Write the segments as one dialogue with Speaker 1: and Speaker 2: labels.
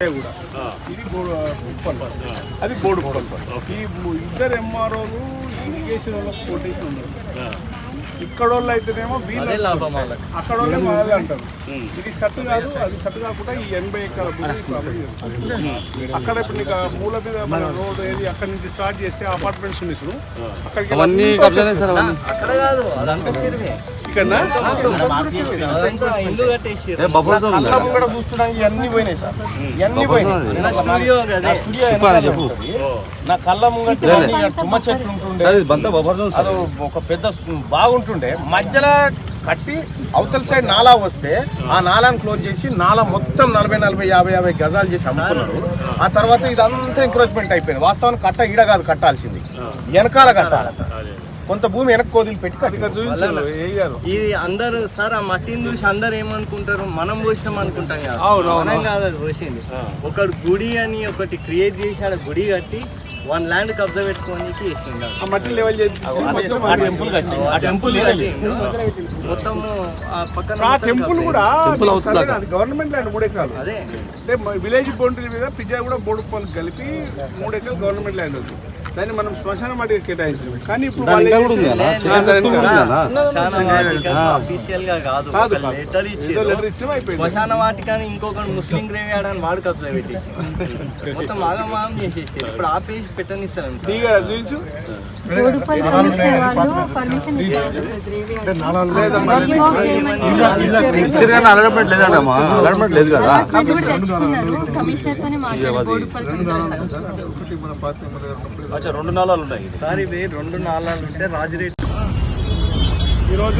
Speaker 1: కూడా ఇది ఉప్పల్ అది బోర్డు ఈ ఇద్దరు ఎంఆర్ఓలు ఇరిగేషన్ వాళ్ళకి కొటేషన్ ఉన్నారు. ఇక్కడ వాళ్ళు అయితేనేమో వీళ్ళు అక్కడ వాళ్ళే మాదే అంటారు. ఇది సెట్ కాదు, అది సెట్ కాకుండా ఈ 80 ఎకరాల అక్కడ ఇప్పుడు నీకు మూల మీద మన రోడ్ ఏది అక్కడ నుంచి స్టార్ట్ చేస్తే అపార్ట్మెంట్స్ ఉన్నాయి అక్కడికి కూడా చూస్తున్నాను ఇవన్నీ పోయినాయి సార్, ఇవన్నీ పోయినాయి. నా కళ్ళ ముంగట తుమ్మ చెట్లు ఉంటుండే, అది ఒక పెద్ద బాగుంటుండే, మధ్యలో కట్టి అవతల సైడ్ నాలా వస్తే ఆ నాలాను క్లోజ్ చేసి నాలా మొత్తం 40-50 గజాలు చేసి అమ్ముకున్నారు. ఆ తర్వాత ఇదంతా ఎంక్రోచ్మెంట్ అయిపోయింది. వాస్తవానికి కట్ట ఈడ కాదు కట్టాల్సింది, వెనకాల కట్టాలి. కొంత భూమి వెనక్కి కోదిలు పెట్టి
Speaker 2: ఇది అందరు సార్ ఆ మట్టిని చూసి అందరు ఏమనుకుంటారు, మనం పోసినాం అనుకుంటాం కదా. మనం కాదు అది పోసింది. ఒకటి గుడి అని ఒకటి క్రియేట్ చేసి ఆడ గుడి కట్టి 1 ల్యాండ్ కబ్జా పెట్టుకోనికి
Speaker 1: మట్టి లెవెల్
Speaker 2: మొత్తం పక్కన
Speaker 1: టెంపుల్ కూడా గవర్నమెంట్ ల్యాండ్ 3 ఎకరాలు. అదే అంటే విలేజ్ బౌండరీ మీద పిజ్జా కూడా బోడుపల్లి కలిపి 3 ఎకరాలు గవర్నమెంట్ ల్యాండ్ ఉంది. దాన్ని మనం శ్మశాన వాటికి కేటాయించాము. కానీ ఇప్పుడు
Speaker 2: శ్మశాన వాటికని ఇంకొక ముస్లిం గ్రేవ్ యార్డ్ అని వాడు కబ్జా పెట్టేసి మొత్తం ఆగమాగం చేసేసి ఇప్పుడు ఆపేసి పెట్టనిస్తారు.
Speaker 1: రెండు నాళాలు ఉన్నాయి
Speaker 2: సార్, ఇవి 2 నాళాలు ఉంటే రాజరేట్.
Speaker 1: ఈరోజు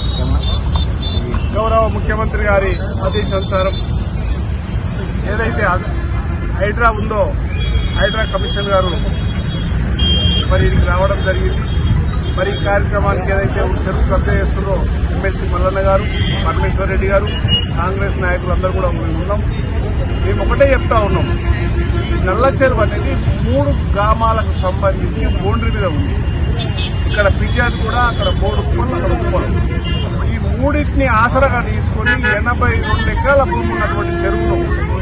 Speaker 1: గౌరవ ముఖ్యమంత్రి గారి ఆదేశానుసారం ఏదైతే హైడ్రా ఉందో, హైడ్రా కమిషనర్ గారు మరి ఇక్కడికి రావడం జరిగింది. మరి ఈ కార్యక్రమానికి ఏదైతే చెరువు కబ్జా చేస్తుందో ఎమ్మెల్సీ మల్లన్న గారు, పరమేశ్వర్ రెడ్డి గారు, కాంగ్రెస్ నాయకులు అందరూ కూడా ఉన్నాం. మేము ఒకటే చెప్తా ఉన్నాం, ఈ నల్ల చెరువు అనేది 3 గ్రామాలకు సంబంధించి బౌండరీ మీద ఉంది. ఇక్కడ పిజ్జాది కూడా, అక్కడ బోడుప్పల్, అక్కడ ఉప్పల్. ఈ మూడింటిని ఆసరాగా తీసుకొని 82 ఎకరాల భూమి ఉన్నటువంటి చెరువును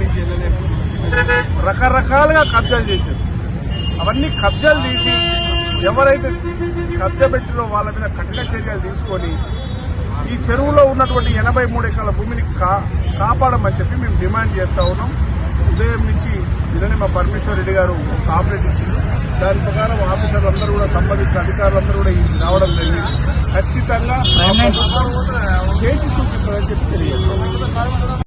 Speaker 1: రకరకాలుగా కబ్జాలు చేశారు. అవన్నీ కబ్జాలు తీసి ఎవరైతే కబ్జా పెట్టినో వాళ్ళ మీద కఠిన చర్యలు తీసుకొని ఈ చెరువులో ఉన్నటువంటి 83 ఎకరాల భూమిని కాపాడమని చెప్పి మేము డిమాండ్ చేస్తా ఉన్నాం. ఉదయం నుంచి నిన్ననే మా పరమేశ్వర్ రెడ్డి గారు కాంప్లైంట్ ఇచ్చింది. దాని ప్రకారం ఆఫీసర్లందరూ కూడా, సంబంధిత అధికారులందరూ కూడా రావడం జరిగింది. ఖచ్చితంగా చేసి చూపిస్తారని చెప్పి తెలియజేస్తాం.